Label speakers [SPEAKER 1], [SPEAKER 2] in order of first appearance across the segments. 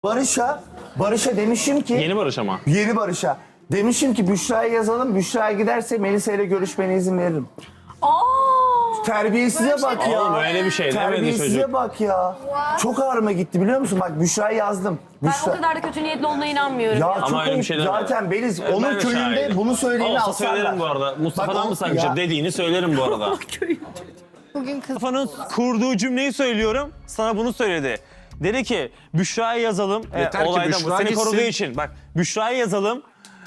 [SPEAKER 1] Barış'a demişim ki...
[SPEAKER 2] Yeni Barış ama.
[SPEAKER 1] Yeni Barış'a. Demişim ki Büşra'ya yazalım. Büşra'ya giderse Melisa ile görüşmene izin veririm. Terbiyesize bak ya.
[SPEAKER 2] Oğlum öyle bir şey demedi
[SPEAKER 1] Terbiyesize
[SPEAKER 2] çocuk.
[SPEAKER 1] bak ya. Çok ağrıma gitti biliyor musun? Bak Büşra'ya yazdım.
[SPEAKER 3] Ben o kadar da kötü niyetli olduğuna inanmıyorum.
[SPEAKER 1] Ya
[SPEAKER 3] Ya.
[SPEAKER 1] çok
[SPEAKER 2] öyle bir
[SPEAKER 1] ayıp.
[SPEAKER 2] şey demedi.
[SPEAKER 1] Zaten Beliz
[SPEAKER 2] Ben
[SPEAKER 1] onun
[SPEAKER 2] de
[SPEAKER 1] köyünde
[SPEAKER 2] şahidim.
[SPEAKER 1] bunu söyleyeni
[SPEAKER 2] Olsa
[SPEAKER 1] alsarlar.
[SPEAKER 2] söylerim bu arada. Mustafa'dan
[SPEAKER 1] Bak,
[SPEAKER 2] mı saklayacak
[SPEAKER 1] ya.
[SPEAKER 2] dediğini söylerim bu arada. Mustafa'nın kurduğu cümleyi söylüyorum. Sana bunu söyledi. Dedi ki Büşra'ya yazalım.
[SPEAKER 4] Yeter ki
[SPEAKER 2] Olayda
[SPEAKER 4] Büşra
[SPEAKER 2] seni
[SPEAKER 4] gitsin.
[SPEAKER 2] koruduğu için. Bak Büşra'ya yazalım.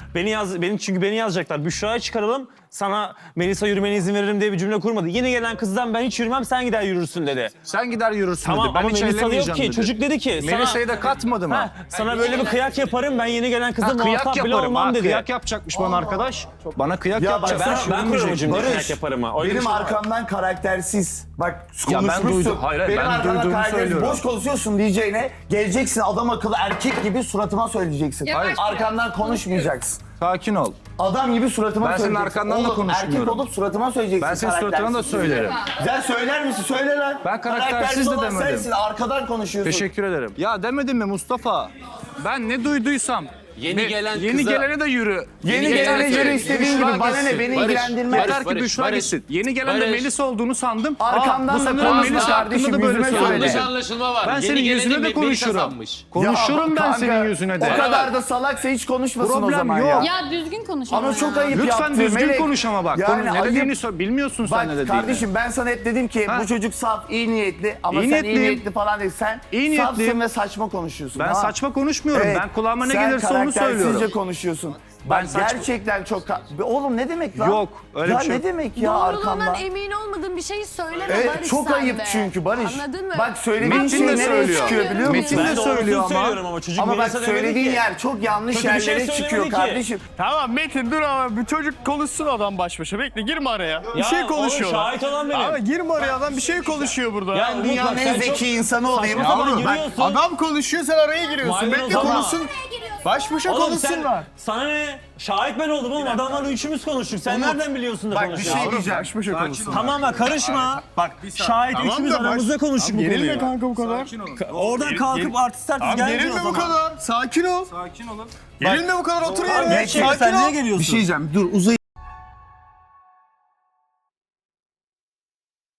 [SPEAKER 2] Çünkü beni yazacaklar. Büşra'ya çıkaralım. Sana Melisa yürümene izin veririm diye bir cümle kurmadı. Yeni gelen kızdan ben hiç yürümem sen gider yürürsün dedi.
[SPEAKER 4] Sen gider yürürsün
[SPEAKER 2] Tamam
[SPEAKER 4] dedi. Ben
[SPEAKER 2] ama
[SPEAKER 4] hiç
[SPEAKER 2] Melisa yok
[SPEAKER 4] ellemeyeceğim
[SPEAKER 2] ki.
[SPEAKER 4] dedi.
[SPEAKER 2] Çocuk dedi ki
[SPEAKER 4] Melisa'yı da katmadı mı?
[SPEAKER 2] sana böyle bir kıyak yaparım. Ben yeni gelen kızla
[SPEAKER 4] Kıyak
[SPEAKER 2] muhatap bile
[SPEAKER 4] yaparım.
[SPEAKER 2] olmam dedi.
[SPEAKER 4] Kıyak yapacakmış bana arkadaş. Bana kıyak
[SPEAKER 1] Ya
[SPEAKER 4] yapacak.
[SPEAKER 1] bak,
[SPEAKER 2] Ben kuruyorum o cümleyi
[SPEAKER 1] Barış,
[SPEAKER 2] kıyak yaparım ha. Öyle bir
[SPEAKER 1] benim
[SPEAKER 2] şey var.
[SPEAKER 1] arkamdan karaktersiz. Bak
[SPEAKER 4] Ya ben
[SPEAKER 1] konuşmuşsun.
[SPEAKER 4] duydum. Hayır,
[SPEAKER 1] benim
[SPEAKER 4] ben
[SPEAKER 1] arkamdan
[SPEAKER 4] duyduğumu
[SPEAKER 1] karaktersiz.
[SPEAKER 4] söylüyorum.
[SPEAKER 1] Boş konuşuyorsun diyeceğine. Geleceksin adam akıllı erkek gibi suratıma söyleyeceksin.
[SPEAKER 4] Hayır.
[SPEAKER 1] Arkamdan konuşmayacaksın.
[SPEAKER 4] Sakin ol.
[SPEAKER 1] Adam gibi suratıma
[SPEAKER 4] Ben senin
[SPEAKER 1] söyleyeceksin.
[SPEAKER 4] arkandan da
[SPEAKER 1] Oğlum,
[SPEAKER 4] konuşmuyorum.
[SPEAKER 1] Erkek olup suratıma söyleyeceksin.
[SPEAKER 4] Ben senin suratına da söylerim.
[SPEAKER 1] Sen söyler misin? Söyle lan.
[SPEAKER 4] Ben karaktersiz de
[SPEAKER 1] olan
[SPEAKER 4] demedim.
[SPEAKER 1] sensin. Arkadan konuşuyorsun.
[SPEAKER 4] Teşekkür ederim. Ya demedim mi Mustafa? Ben ne duyduysam.
[SPEAKER 5] Yeni gelen
[SPEAKER 4] Yeni
[SPEAKER 5] kıza-
[SPEAKER 4] gelene de yürü.
[SPEAKER 1] Yeni gelene göre istediğin
[SPEAKER 4] Büşra
[SPEAKER 1] gibi. Bana ne?
[SPEAKER 4] gitsin.
[SPEAKER 1] Beni
[SPEAKER 5] Barış,
[SPEAKER 1] ilgilendirmez.
[SPEAKER 4] Yeter ki
[SPEAKER 5] Barış,
[SPEAKER 4] Büşra
[SPEAKER 5] Barış,
[SPEAKER 4] gitsin. Yeni gelen de
[SPEAKER 5] Barış.
[SPEAKER 4] Melisa olduğunu sandım.
[SPEAKER 1] Arkamdan
[SPEAKER 4] bu
[SPEAKER 1] da
[SPEAKER 4] sanırım
[SPEAKER 1] konuşma
[SPEAKER 4] Melisa
[SPEAKER 1] kardeşim,
[SPEAKER 4] hakkında da böyle
[SPEAKER 1] yüzüme
[SPEAKER 4] söyledi.
[SPEAKER 1] söyle.
[SPEAKER 5] Yanlış anlaşılma var.
[SPEAKER 4] Ben
[SPEAKER 5] Yeni
[SPEAKER 4] senin
[SPEAKER 5] geleni
[SPEAKER 4] yüzüne de
[SPEAKER 5] Melisa
[SPEAKER 4] konuşurum.
[SPEAKER 5] sanmış.
[SPEAKER 4] Konuşurum ben
[SPEAKER 1] kanka,
[SPEAKER 4] senin yüzüne de.
[SPEAKER 1] O kadar da salaksa hiç konuşmasın o
[SPEAKER 4] Problem
[SPEAKER 1] zaman
[SPEAKER 4] yok.
[SPEAKER 1] ya.
[SPEAKER 6] Ya düzgün konuş.
[SPEAKER 1] Ama çok ayıp
[SPEAKER 4] Lütfen
[SPEAKER 1] yaptı
[SPEAKER 4] düzgün
[SPEAKER 1] Melek.
[SPEAKER 4] konuş ama bak.
[SPEAKER 1] Yani
[SPEAKER 4] ne
[SPEAKER 1] ayıp.
[SPEAKER 4] dediğini bilmiyorsun sen
[SPEAKER 1] Bak
[SPEAKER 4] ne dediğini.
[SPEAKER 1] kardeşim ben sana hep dedim ki
[SPEAKER 4] Ha.
[SPEAKER 1] bu çocuk saf, iyi niyetli ama
[SPEAKER 4] İyi
[SPEAKER 1] sen iyi
[SPEAKER 4] niyetliyim.
[SPEAKER 1] niyetli falan değil. Sen
[SPEAKER 4] İyi
[SPEAKER 1] safsın
[SPEAKER 4] niyetliyim.
[SPEAKER 1] ve saçma konuşuyorsun.
[SPEAKER 4] Ben
[SPEAKER 1] tamam?
[SPEAKER 4] saçma konuşmuyorum.
[SPEAKER 1] Evet,
[SPEAKER 4] Ben kulağıma ne
[SPEAKER 1] sen
[SPEAKER 4] gelirse onu
[SPEAKER 1] karaktersizce
[SPEAKER 4] söylüyorum.
[SPEAKER 1] konuşuyorsun.
[SPEAKER 4] Ben
[SPEAKER 1] Bak
[SPEAKER 4] saçma-
[SPEAKER 1] gerçekten çok... Oğlum ne demek lan?
[SPEAKER 4] Yok, öyle
[SPEAKER 1] ya
[SPEAKER 4] bir şey
[SPEAKER 1] ne
[SPEAKER 4] yok.
[SPEAKER 1] demek ya
[SPEAKER 3] Doğruluğundan
[SPEAKER 1] arkamdan?
[SPEAKER 3] emin olmadığın bir şeyi söyleme
[SPEAKER 1] Evet,
[SPEAKER 3] Barış
[SPEAKER 1] çok
[SPEAKER 3] sen
[SPEAKER 1] ayıp
[SPEAKER 3] de.
[SPEAKER 1] çünkü Barış.
[SPEAKER 3] Anladın mı?
[SPEAKER 1] Bak söylediğin
[SPEAKER 4] Metin
[SPEAKER 1] şey
[SPEAKER 4] de
[SPEAKER 1] nereye
[SPEAKER 4] söylüyor.
[SPEAKER 1] çıkıyor biliyor musun?
[SPEAKER 4] Metin de
[SPEAKER 2] Ben doğrusunu
[SPEAKER 4] söylüyor ama.
[SPEAKER 2] söylüyorum ama çocuk
[SPEAKER 1] Ama bak
[SPEAKER 2] Melisa demedi
[SPEAKER 1] söylediğin
[SPEAKER 2] ki.
[SPEAKER 1] yer çok yanlış
[SPEAKER 2] Kötü bir şey
[SPEAKER 1] yerlere
[SPEAKER 2] söylemedi
[SPEAKER 1] çıkıyor
[SPEAKER 2] ki.
[SPEAKER 1] kardeşim.
[SPEAKER 7] Tamam Metin dur ama bir çocuk konuşsun adam baş başa. Bekle girme araya. Bir
[SPEAKER 2] Ya
[SPEAKER 7] şey
[SPEAKER 2] oğlum,
[SPEAKER 7] konuşuyorlar.
[SPEAKER 2] şahit olan benim.
[SPEAKER 7] Ama girme araya adam bir şey konuşuyor burada.
[SPEAKER 2] Ya Umut
[SPEAKER 1] Dünyanın
[SPEAKER 2] bak,
[SPEAKER 1] en
[SPEAKER 2] sen çok
[SPEAKER 1] zeki insanı olayım.
[SPEAKER 2] saçma sapan
[SPEAKER 1] Yavrum, bak,
[SPEAKER 2] giriyorsun.
[SPEAKER 7] Adam konuşuyor sen araya giriyorsun.
[SPEAKER 2] Maydanoz
[SPEAKER 7] Bekle
[SPEAKER 2] ama.
[SPEAKER 7] konuşsun. Baş başa
[SPEAKER 2] Oğlum
[SPEAKER 7] konuşsunlar.
[SPEAKER 2] sana ne? Şahit ben oldum oğlum. Adamlarla üçümüz konuştuk. Sen nereden biliyorsun da
[SPEAKER 1] Bak bir
[SPEAKER 2] konuşuyorsun?
[SPEAKER 1] şey diyeceğim.
[SPEAKER 7] Baş başa konuşsun.
[SPEAKER 2] Tamam bak karışma. Bak şahit üçümüz aramızda konuştuk bu
[SPEAKER 7] Gerilme
[SPEAKER 2] konuyu.
[SPEAKER 7] kanka bu kadar.
[SPEAKER 2] Oradan kalkıp artist
[SPEAKER 7] Tamam
[SPEAKER 2] gelmiyor
[SPEAKER 7] gerilme
[SPEAKER 2] o
[SPEAKER 7] bu
[SPEAKER 2] zaman.
[SPEAKER 7] kadar. Sakin ol. Sakin olun. Gerilme bu kadar otur yerine.
[SPEAKER 2] Sen
[SPEAKER 7] Sakin
[SPEAKER 2] niye
[SPEAKER 7] ol.
[SPEAKER 2] geliyorsun?
[SPEAKER 1] Bir şey diyeceğim. Dur uzay.